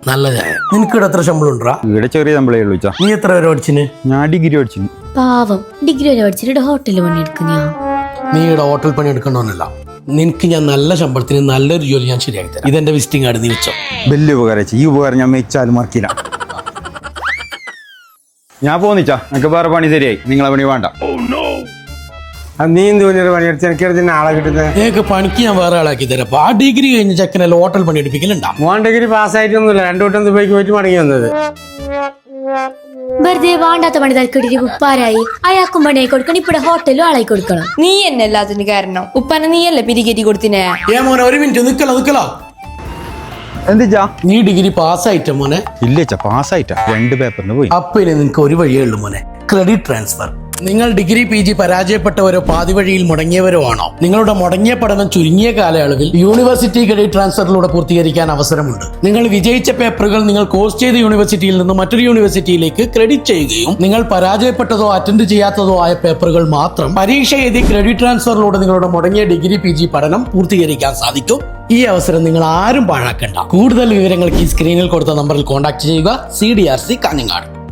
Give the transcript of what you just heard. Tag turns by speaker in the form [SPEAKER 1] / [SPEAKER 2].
[SPEAKER 1] നല്ല ചായ. നിനക്കിവിടെ എത്ര ശമ്പളം ഉണ്ടാ?
[SPEAKER 2] ഇവിടെ ചെറിയ ശമ്പളേ ഉള്ളൂ.
[SPEAKER 1] നീ എത്ര വരെ പഠിച്ചിന്?
[SPEAKER 2] ഞാൻ ഡിഗ്രി പഠിച്ചു.
[SPEAKER 3] പാവം ഡിഗ്രി വരെ പഠിച്ചിട്ട് ഹോട്ടലിൽ പണിയെടുക്കുന്ന.
[SPEAKER 1] നീ ഇവിടെ ഹോട്ടൽ പണി എടുക്കണമെന്നല്ല, നിനക്ക് ഞാൻ നല്ല ശമ്പളത്തിന് നല്ലൊരു ജോലി ഞാൻ ശരിയാക്കി തരാം. ഇതെന്റെ വിസിറ്റിംഗ് കാർഡ്, നീ വെച്ചോ.
[SPEAKER 2] വലിയ ഉപകാരം. ഈ ഉപകാരം ഞാൻ മെച്ചാലും മറക്കില്ല. ഞാൻ പോന്നിച്ചാ, എനിക്ക് വേറെ പണി ശരിയായി. നിങ്ങളെ പണി വേണ്ട.
[SPEAKER 4] നീ എന്ത് പണിയെടുത്ത് എനിക്ക് ആളെ കിട്ടുന്നത്?
[SPEAKER 1] നിനക്ക് പണിക്ക് ഞാൻ വേറെ ആളാക്കി തരാം. അപ്പൊ ആ ഡിഗ്രി കഴിഞ്ഞ ചെക്കനല്ല ഹോട്ടൽ പണി എടുപ്പിക്കലുണ്ടാ?
[SPEAKER 4] മോൻ ഡിഗ്രി പാസ്സായിട്ടൊന്നുമില്ല, 2 വട്ടം ദുബൈക്ക് പോയിട്ട് മടങ്ങി വന്നത്.
[SPEAKER 3] വെറുതെ വേണ്ടാത്ത പണി തൽക്കിട്ടിട്ട് ഉപ്പാരായി. അയാൾക്കും പണിയായി കൊടുക്കണം, ഇപ്പടെ ഹോട്ടലും ആളായി കൊടുക്കണം.
[SPEAKER 5] നീ എന്നെ എല്ലാത്തിനും കാരണം. ഉപ്പാനെ നീയല്ലേ പിരികേറ്റി കൊടുത്തിനെ?
[SPEAKER 1] മോനെ ഒരു മിനിറ്റ് നിക്കലോ.
[SPEAKER 2] എന്തിച്ചാ?
[SPEAKER 1] നീ ഡിഗ്രി പാസ്സായിട്ട മോനെ?
[SPEAKER 2] ഇല്ലേച്ചാ, പാസ്സായിട്ടാ. 2 പേപ്പറിന് പോയി.
[SPEAKER 1] അപ്പൊ ഇനി നിനക്ക് ഒരു വഴിയേ ഉള്ളൂ മോനെ, ക്രെഡിറ്റ് ട്രാൻസ്ഫർ. നിങ്ങൾ ഡിഗ്രി PG പരാജയപ്പെട്ടവരോ പാതി വഴിയിൽ മുടങ്ങിയവരോ ആണോ? നിങ്ങളുടെ മുടങ്ങിയ പഠനം ചുരുങ്ങിയ കാലയളവിൽ യൂണിവേഴ്സിറ്റി ക്രെഡിറ്റ് ട്രാൻസ്ഫറിലൂടെ പൂർത്തീകരിക്കാൻ അവസരമുണ്ട്. നിങ്ങൾ വിജയിച്ച പേപ്പറുകൾ നിങ്ങൾ കോഴ്സ് ചെയ്ത യൂണിവേഴ്സിറ്റിയിൽ നിന്ന് മറ്റൊരു യൂണിവേഴ്സിറ്റിയിലേക്ക് ക്രെഡിറ്റ് ചെയ്യുകയും നിങ്ങൾ പരാജയപ്പെട്ടതോ അറ്റൻഡ് ചെയ്യാത്തതോ ആയ പേപ്പറുകൾ മാത്രം പരീക്ഷ എഴുതി ക്രെഡിറ്റ് ട്രാൻസ്ഫറിലൂടെ നിങ്ങളുടെ മുടങ്ങിയ ഡിഗ്രി PG പഠനം പൂർത്തീകരിക്കാൻ സാധിക്കും. ഈ അവസരം നിങ്ങൾ ആരും പാഴാക്കണ്ട. കൂടുതൽ വിവരങ്ങൾക്ക് ഈ സ്ക്രീനിൽ കൊടുത്ത നമ്പറിൽ കോൺടാക്ട് ചെയ്യുക. CDRC കാഞ്ഞങ്ങാട്.